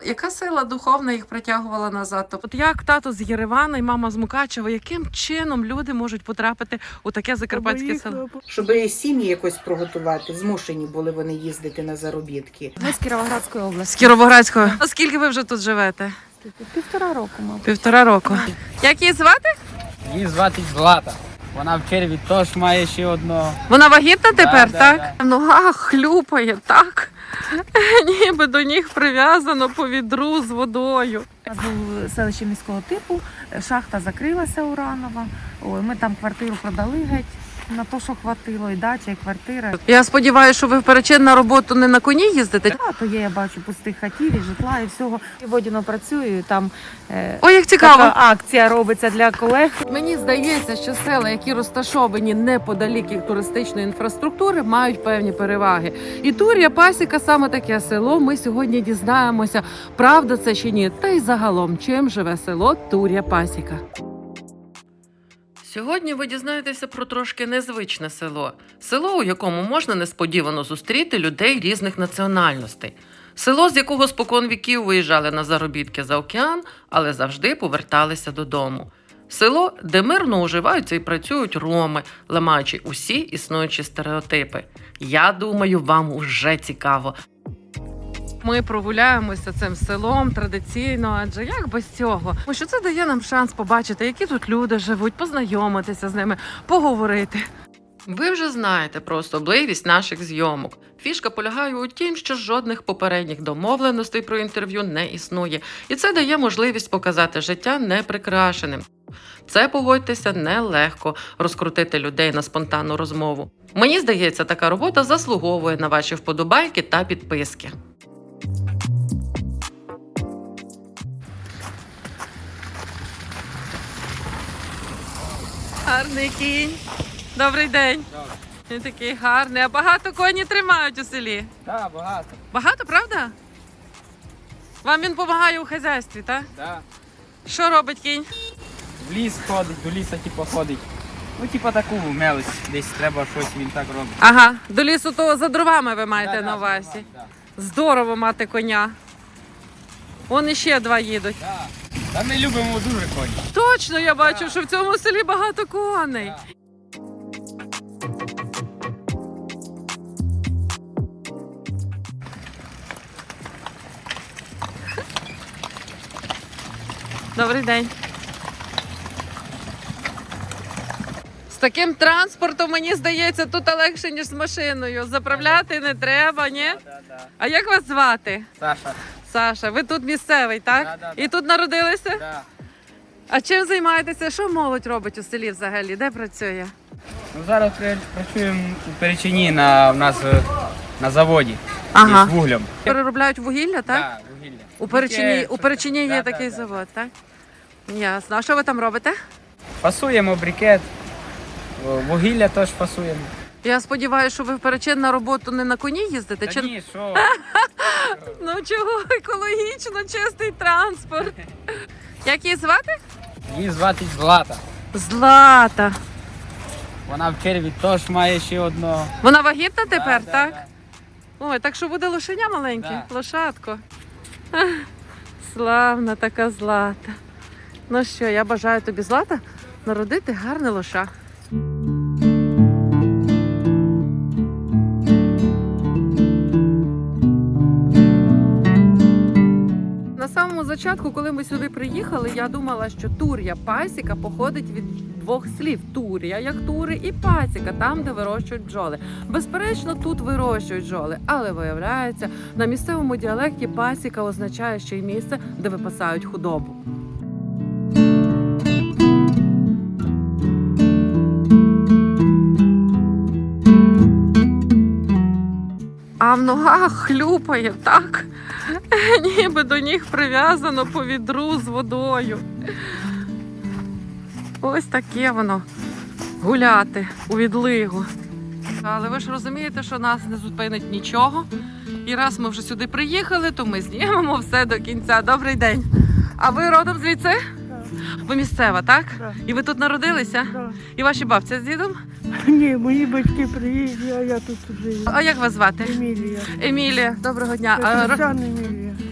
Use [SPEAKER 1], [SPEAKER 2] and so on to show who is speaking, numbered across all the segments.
[SPEAKER 1] Яка сила духовна їх притягувала назад? От як тато з Єревана і мама з Мукачева, яким чином люди можуть потрапити у таке закарпатське село?
[SPEAKER 2] Щоб сім'ї якось приготувати, змушені були вони їздити на заробітки.
[SPEAKER 3] Ми з Кіровоградської
[SPEAKER 1] З
[SPEAKER 3] області.
[SPEAKER 1] Кіровоградського. А скільки ви вже тут живете?
[SPEAKER 3] 1,5 року, мабуть.
[SPEAKER 1] 1,5 року. Як її звати?
[SPEAKER 4] Її звати Злата. Вона в черві теж має ще одного.
[SPEAKER 1] Вона вагітна тепер,
[SPEAKER 4] Да,
[SPEAKER 1] так?
[SPEAKER 4] да.
[SPEAKER 1] В ногах хлюпає, так? Ніби до ніг прив'язано по відру з водою.
[SPEAKER 3] У нас був селище міського типу, шахта закрилася уранова. Ой, ми там квартиру продали геть на те, що хватило, і дача, і квартира.
[SPEAKER 1] Я сподіваюся, що ви в перечин на роботу не на коні їздите?
[SPEAKER 3] То є, я бачу, пустих хатів, і житла, і всього. І Водяно працюю, і там
[SPEAKER 1] Ой, як цікаво.
[SPEAKER 3] така акція робиться для колег.
[SPEAKER 1] Мені здається, що села, які розташовані неподалік від туристичної інфраструктури, мають певні переваги. І Тур'я Пасіка саме таке село. Ми сьогодні дізнаємося, правда це чи ні, та й загалом, чим живе село Тур'я Пасіка. Сьогодні ви дізнаєтеся про трошки незвичне село. Село, у якому можна несподівано зустріти людей різних національностей. Село, з якого спокон віків виїжджали на заробітки за океан, але завжди поверталися додому. Село, де мирно уживаються і працюють роми, ламаючи усі існуючі стереотипи. Я думаю, вам уже цікаво. Ми прогуляємося цим селом традиційно, адже як без цього? Тому що це дає нам шанс побачити, які тут люди живуть, познайомитися з ними, поговорити. Ви вже знаєте про особливість наших зйомок. Фішка полягає у тім, що жодних попередніх домовленостей про інтерв'ю не існує. І це дає можливість показати життя неприкрашеним. Це, погодьтеся, нелегко розкрутити людей на спонтанну розмову. Мені здається, така робота заслуговує на ваші вподобайки та підписки. Гарний кінь. Добрий день.
[SPEAKER 4] Добре.
[SPEAKER 1] Він такий гарний. А багато коні тримають у селі?
[SPEAKER 4] Так, багато.
[SPEAKER 1] Багато, правда? Вам він допомагає у хазяйстві, так?
[SPEAKER 4] Да.
[SPEAKER 1] Що робить кінь?
[SPEAKER 4] В ліс ходить, до лісу ходить. Ну, таку мелось, десь треба щось, він так робить.
[SPEAKER 1] Ага, до лісу то за дровами ви маєте
[SPEAKER 4] Да,
[SPEAKER 1] на
[SPEAKER 4] да,
[SPEAKER 1] увазі.
[SPEAKER 4] да.
[SPEAKER 1] Здорово мати коня. Вон іще два їдуть.
[SPEAKER 4] Да. Та ми любимо дуже коні.
[SPEAKER 1] Точно, я бачу,
[SPEAKER 4] Да.
[SPEAKER 1] що в цьому селі багато коней.
[SPEAKER 4] Да.
[SPEAKER 1] Добрий день. З таким транспортом, мені здається, тут легше, ніж з машиною. Заправляти не треба, ні?
[SPEAKER 4] Да.
[SPEAKER 1] А як вас звати?
[SPEAKER 4] Саша.
[SPEAKER 1] Саша, ви тут місцевий, так?
[SPEAKER 4] Да.
[SPEAKER 1] І тут народилися?
[SPEAKER 4] Да.
[SPEAKER 1] А чим займаєтеся? Що молодь робить у селі взагалі? Де працює?
[SPEAKER 4] Ну, зараз працюємо у Перечині в нас на заводі.
[SPEAKER 1] Ага.
[SPEAKER 4] З вуглем.
[SPEAKER 1] Переробляють вугілля, так?
[SPEAKER 4] Да, вугілля.
[SPEAKER 1] У Перечині є
[SPEAKER 4] Да,
[SPEAKER 1] такий
[SPEAKER 4] да.
[SPEAKER 1] завод, так? Ясно. А що ви там робите?
[SPEAKER 4] Фасуємо брикет, вугілля теж фасуємо.
[SPEAKER 1] Я сподіваюся, що ви в Перечин на роботу не на коні їздите?
[SPEAKER 4] Та
[SPEAKER 1] Чи...
[SPEAKER 4] ні, що?
[SPEAKER 1] Ну чого екологічно, чистий транспорт. Як її звати?
[SPEAKER 4] Її звати Злата.
[SPEAKER 1] Злата.
[SPEAKER 4] Вона в черві теж має ще одного.
[SPEAKER 1] Вона вагітна тепер,
[SPEAKER 4] Да,
[SPEAKER 1] так?
[SPEAKER 4] да.
[SPEAKER 1] Ой, так що буде лошеня маленьке,
[SPEAKER 4] Да.
[SPEAKER 1] лошадко. Ах, славна така Злата. Ну що, я бажаю тобі, Злата, народити гарне лоша. На самому початку, коли ми сюди приїхали, я думала, що Тур'я Пасіка походить від двох слів. Тур'я, як тури, і пасіка, там, де вирощують бджоли. Безперечно, тут вирощують бджоли, але виявляється, на місцевому діалекті пасіка означає ще й місце, де випасають худобу. А в ногах хлюпає, так? Ніби до ніг прив'язано по відру з водою. Ось таке воно гуляти у відлигу. Але ви ж розумієте, що нас не зупинить нічого. І раз ми вже сюди приїхали, то ми знімемо все до кінця. Добрий день. А ви родом звідси?
[SPEAKER 5] Так.
[SPEAKER 1] Ви місцева, так?
[SPEAKER 5] Так.
[SPEAKER 1] І ви тут народилися?
[SPEAKER 5] Да.
[SPEAKER 1] І ваші бабці з дідом?
[SPEAKER 5] Ні, мої батьки приїхали, а я тут живу.
[SPEAKER 1] А як вас звати?
[SPEAKER 5] Емілія.
[SPEAKER 1] Емілія, доброго дня. А,
[SPEAKER 5] Петросян Емілія.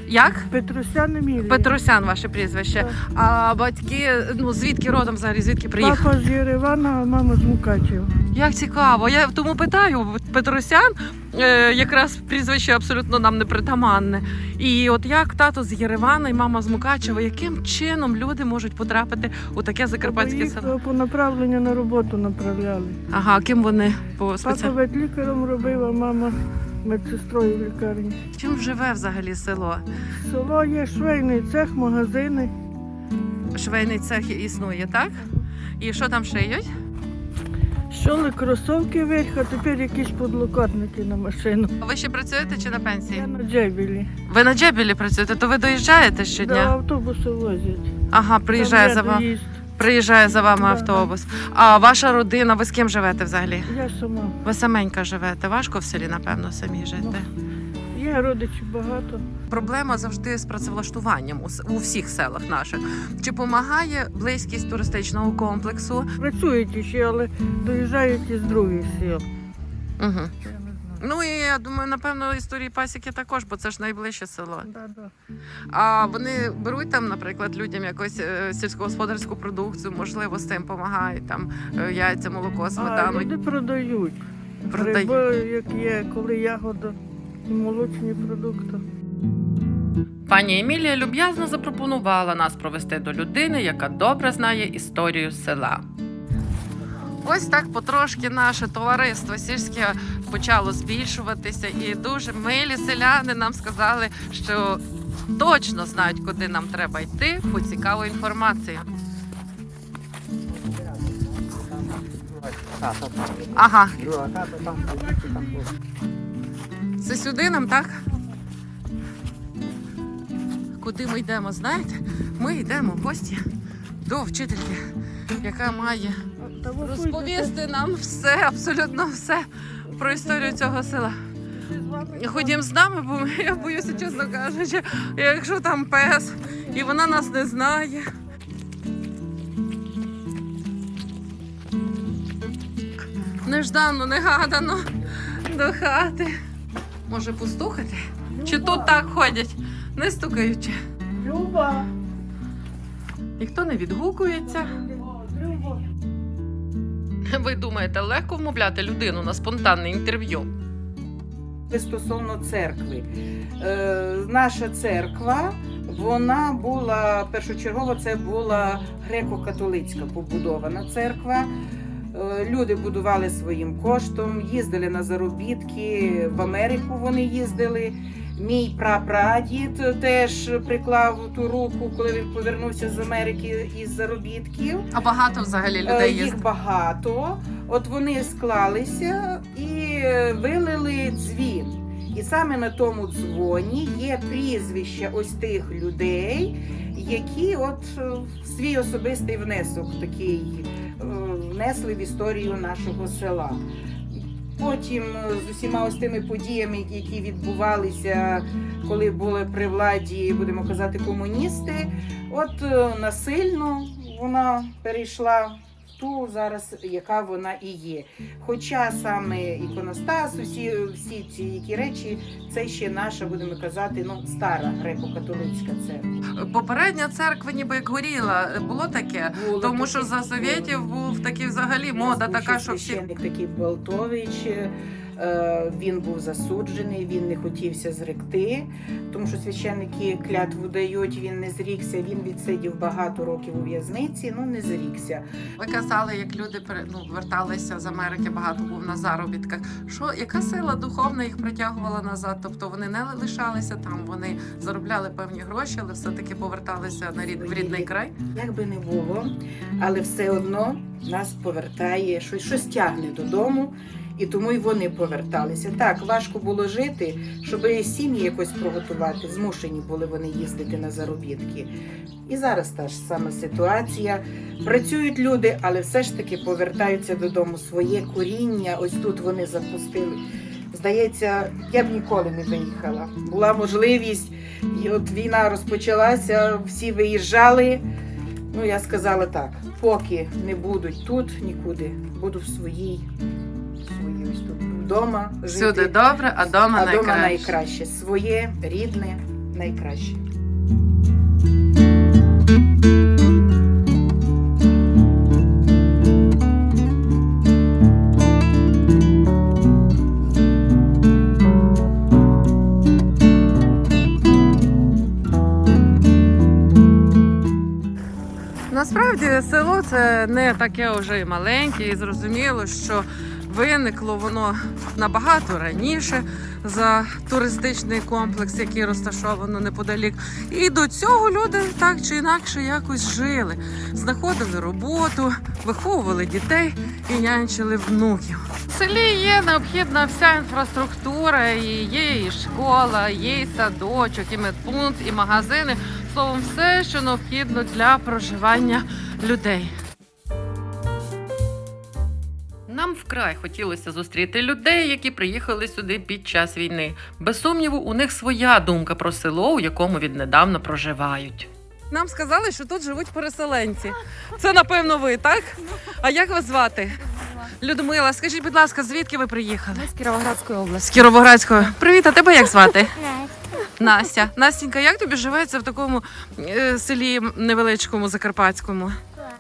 [SPEAKER 1] Як?
[SPEAKER 5] Петросян Емілія.
[SPEAKER 1] Петросян, ваше прізвище.
[SPEAKER 5] Так.
[SPEAKER 1] А батьки, ну звідки родом взагалі, звідки приїхали?
[SPEAKER 5] Папа з Єревана, а мама з Мукачева.
[SPEAKER 1] Як цікаво. Я тому питаю, Петросян, якраз прізвище абсолютно нам не притаманне. І от як тато з Єревана і мама з Мукачева, яким чином люди можуть потрапити у таке закарпатське
[SPEAKER 5] Їх
[SPEAKER 1] село?
[SPEAKER 5] по направленню на роботу направляли.
[SPEAKER 1] Ага, ким вони по
[SPEAKER 5] Папа
[SPEAKER 1] спеціальності?
[SPEAKER 5] ветлікарем робив, а мама медсестрою в лікарні.
[SPEAKER 1] Чим живе взагалі село?
[SPEAKER 5] Село є швейний цех, магазини.
[SPEAKER 1] Швейний цех існує, так? І що там шиють?
[SPEAKER 5] Щоли кросовки вверх, а тепер якісь подлокотники на машину.
[SPEAKER 1] Ви ще працюєте чи на пенсії?
[SPEAKER 5] Я на джебілі.
[SPEAKER 1] Ви на Джебілі працюєте, то ви доїжджаєте
[SPEAKER 5] До
[SPEAKER 1] щодня?
[SPEAKER 5] автобуси возять.
[SPEAKER 1] Ага, приїжджає
[SPEAKER 5] Там
[SPEAKER 1] за
[SPEAKER 5] є
[SPEAKER 1] вами.
[SPEAKER 5] доїзд.
[SPEAKER 1] Приїжджає за вами
[SPEAKER 5] Да,
[SPEAKER 1] автобус. А ваша родина, ви з ким живете взагалі?
[SPEAKER 5] Я сама.
[SPEAKER 1] Ви саменька живете. Важко в селі, напевно, самі жити.
[SPEAKER 5] Є родичів багато.
[SPEAKER 1] Проблема завжди з працевлаштуванням у всіх селах наших. Чи допомагає близькість туристичного комплексу?
[SPEAKER 5] Працюють іще, але доїжджають із других сіл.
[SPEAKER 1] Угу.
[SPEAKER 5] Я не знаю.
[SPEAKER 1] Ну і я думаю, напевно, історії пасіки також, бо це ж найближче село.
[SPEAKER 5] Да.
[SPEAKER 1] А вони беруть там, наприклад, людям якусь сільськогосподарську продукцію, можливо, з цим допомагають, там яйця, молоко, сметану.
[SPEAKER 5] А люди продають.
[SPEAKER 1] Продають.
[SPEAKER 5] Гриби, як є, коли ягода, і молочні продукти.
[SPEAKER 1] Пані Емілія люб'язно запропонувала нас провести до людини, яка добре знає історію села. Ось так потрошки наше товариство сільське почало збільшуватися, і дуже милі селяни нам сказали, що точно знають, куди нам треба йти по цікаву інформацію. Ага,
[SPEAKER 4] Друга хата там, звідти там.
[SPEAKER 1] це сюди нам, так? Куди ми йдемо, знаєте? Ми йдемо в гості до вчительки, яка має розповісти нам все, абсолютно все про історію цього села. Ходім з нами, бо я боюся, чесно кажучи, якщо там пес, і вона нас не знає. Неждано, негадано до хати. Може постукати? Чи тут так ходять, не стукаючи?
[SPEAKER 5] Люба!
[SPEAKER 1] Ніхто не відгукується.
[SPEAKER 5] Люба!
[SPEAKER 1] Ви думаєте, легко вмовляти людину на спонтанне інтерв'ю?
[SPEAKER 2] Стосовно церкви. Наша церква, вона була, першочергово це була греко-католицька побудована церква. Люди будували своїм коштом, їздили на заробітки, в Америку вони їздили. Мій прапрадід теж приклав ту руку, коли він повернувся з Америки із заробітків.
[SPEAKER 1] А багато взагалі людей є.
[SPEAKER 2] Їх багато. От вони склалися і вилили дзвін. І саме на тому дзвоні є прізвища ось тих людей, які от свій особистий внесок такий внесли в історію нашого села. Потім з усіма ось тими подіями, які відбувалися, коли були при владі, будемо казати, комуністи, от насильно вона перейшла в ту зараз, яка вона і є. Хоча саме іконостас, всі ці які речі, це ще наша, будемо казати, стара греко-католицька церква.
[SPEAKER 1] Попередня церква ніби як горіла. Було таке?
[SPEAKER 2] Було
[SPEAKER 1] Тому
[SPEAKER 2] таке,
[SPEAKER 1] що за совєтів був такий взагалі мода
[SPEAKER 2] Був
[SPEAKER 1] така,
[SPEAKER 2] ще
[SPEAKER 1] що всі...
[SPEAKER 2] священник такий Болтович, він був засуджений, він не хотівся зректи, тому що священники клятву дають, він не зрікся, він відсидів багато років у в'язниці, не зрікся.
[SPEAKER 1] Ви казали, як люди верталися з Америки, багато був на заробітках. Яка сила духовна їх притягувала назад? Тобто вони не лишалися там, вони заробляли певні гроші, але все-таки поверталися в рідний край?
[SPEAKER 2] Як би не було, але все одно нас повертає, щось тягне додому. І тому й вони поверталися. Так, важко було жити, щоб сім'ї якось приготувати. Змушені були вони їздити на заробітки. І зараз та ж сама ситуація. Працюють люди, але все ж таки повертаються додому. Своє коріння, ось тут вони запустили. Здається, я б ніколи не виїхала. Була можливість, і от війна розпочалася, всі виїжджали. Я сказала так, поки не будуть тут нікуди, буду в своїй ось тут вдома жити.
[SPEAKER 1] Всюди добре, а дома
[SPEAKER 2] А дома
[SPEAKER 1] найкраще.
[SPEAKER 2] найкраще. Своє, рідне, найкраще.
[SPEAKER 1] Насправді село це не таке вже і маленьке, і зрозуміло, що виникло воно набагато раніше за туристичний комплекс, який розташовано неподалік. І до цього люди так чи інакше якось жили, знаходили роботу, виховували дітей і нянчили внуків. В селі є необхідна вся інфраструктура, і є і школа, є і садочок, і медпункт, і магазини. Словом, все, що необхідно для проживання людей. Нам вкрай хотілося зустріти людей, які приїхали сюди під час війни. Без сумніву, у них своя думка про село, у якому віднедавна проживають. Нам сказали, що тут живуть переселенці. Це, напевно, ви, так? А як вас звати? Людмила, скажіть, будь ласка, звідки ви приїхали?
[SPEAKER 3] Ми з Кіровоградської області.
[SPEAKER 1] З Кіровоградської. Привіт, а тебе як звати? Настя. Настенька, як тобі живеться в такому селі невеличкому, закарпатському?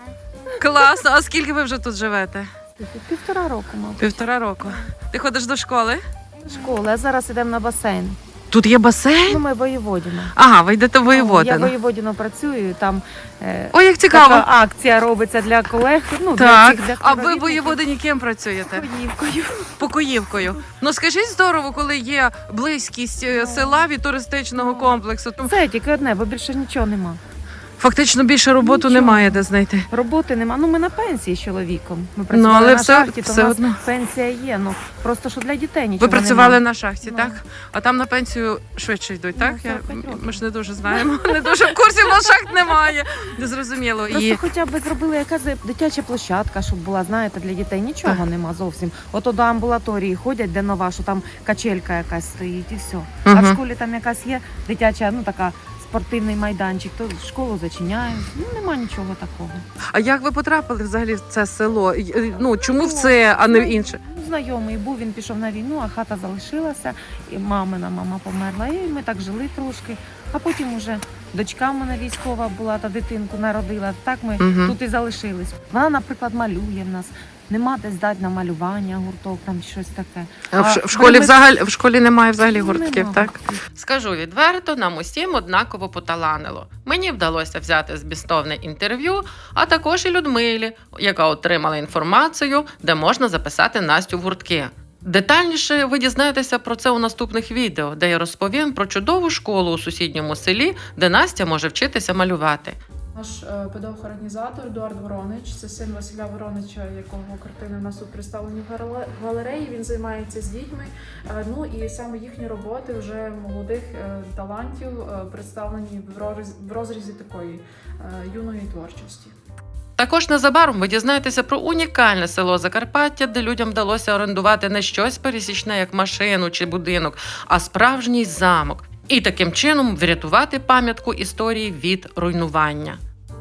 [SPEAKER 1] Класно. А скільки ви вже тут живете?
[SPEAKER 3] 1,5 року, мабуть.
[SPEAKER 1] 1,5 року. Ти ходиш до школи?
[SPEAKER 3] Школа, а зараз йдемо на басейн.
[SPEAKER 1] Тут є басейн?
[SPEAKER 3] Ну, ми воєводіно.
[SPEAKER 1] Ага, ви йдете в
[SPEAKER 3] Я
[SPEAKER 1] Воєводино.
[SPEAKER 3] воєводіно працюю, там
[SPEAKER 1] Ой, як цікаво.
[SPEAKER 3] така акція робиться для колег. Ну,
[SPEAKER 1] Так,
[SPEAKER 3] для
[SPEAKER 1] а ви в
[SPEAKER 3] співробітників.
[SPEAKER 1] Воєводині ким працюєте?
[SPEAKER 3] Покоївкою.
[SPEAKER 1] Покоївкою. Ну скажіть, здорово, коли є близькість села від туристичного комплексу.
[SPEAKER 3] Це тільки одне, бо більше нічого нема.
[SPEAKER 1] Фактично більше роботу
[SPEAKER 3] Нічого.
[SPEAKER 1] немає де знайти.
[SPEAKER 3] Роботи нема. Ну, ми на пенсії з чоловіком. Ми працювали
[SPEAKER 1] але
[SPEAKER 3] на
[SPEAKER 1] все-
[SPEAKER 3] шахті, то
[SPEAKER 1] все
[SPEAKER 3] в нас
[SPEAKER 1] одно.
[SPEAKER 3] пенсія є. Ну, просто що для дітей
[SPEAKER 1] Ви
[SPEAKER 3] нічого
[SPEAKER 1] працювали
[SPEAKER 3] нема.
[SPEAKER 1] на шахті,
[SPEAKER 3] Ну.
[SPEAKER 1] так? А там на пенсію швидше йдуть, так?
[SPEAKER 3] 45 років.
[SPEAKER 1] Ми ж не дуже знаємо. Не дуже в курсі, в нас шахт немає. Незрозуміло.
[SPEAKER 3] Просто
[SPEAKER 1] І
[SPEAKER 3] хоча б зробили якась дитяча площадка, щоб була, знаєте, для дітей. Нічого нема зовсім. Ото до амбулаторії ходять, де нова, що там качелька якась стоїть і все. А в
[SPEAKER 1] Мгм.
[SPEAKER 3] школі там якась є дитяча, ну така спортивний майданчик, то школу зачиняють. Ну нема нічого такого.
[SPEAKER 1] А як ви потрапили взагалі в це село? Ну чому в це, а не в інше?
[SPEAKER 3] Ну, знайомий був, він пішов на війну, а хата залишилася, і мама померла. І ми так жили трошки. А потім уже дочка в мене військова була, та дитинку народила. Так ми
[SPEAKER 1] Мгм.
[SPEAKER 3] тут і залишились. Вона, наприклад, малює в нас. Нема де здати на малювання, гурток там чи щось таке.
[SPEAKER 1] А
[SPEAKER 3] А
[SPEAKER 1] в школі
[SPEAKER 3] ми-
[SPEAKER 1] взагалі в школі немає взагалі гуртків,
[SPEAKER 3] Нема
[SPEAKER 1] так?
[SPEAKER 3] гуртків.
[SPEAKER 1] Скажу відверто, нам усім однаково поталанило. Мені вдалося взяти змістовне інтерв'ю, а також і Людмилі, яка отримала інформацію, де можна записати Настю в гуртки. Детальніше ви дізнаєтеся про це у наступних відео, де я розповім про чудову школу у сусідньому селі, де Настя може вчитися малювати.
[SPEAKER 6] Наш педагог-організатор Едуард Воронич, це син Василя Воронича, якого картини в нас тут представлені в галереї. Він займається з дітьми. Ну і саме їхні роботи вже молодих талантів представлені в розрізі такої юної творчості.
[SPEAKER 1] Також незабаром ви дізнаєтеся про унікальне село Закарпаття, де людям вдалося орендувати не щось пересічне, як машину чи будинок, а справжній замок. І таким чином врятувати пам'ятку історії від руйнування.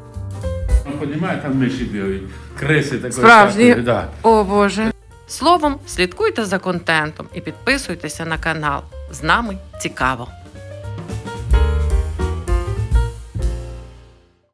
[SPEAKER 7] Понимаете, там миші бігають, криси такої.
[SPEAKER 1] Справжні?
[SPEAKER 7] такої, да.
[SPEAKER 1] О Боже! Словом, слідкуйте за контентом і підписуйтеся на канал. З нами цікаво!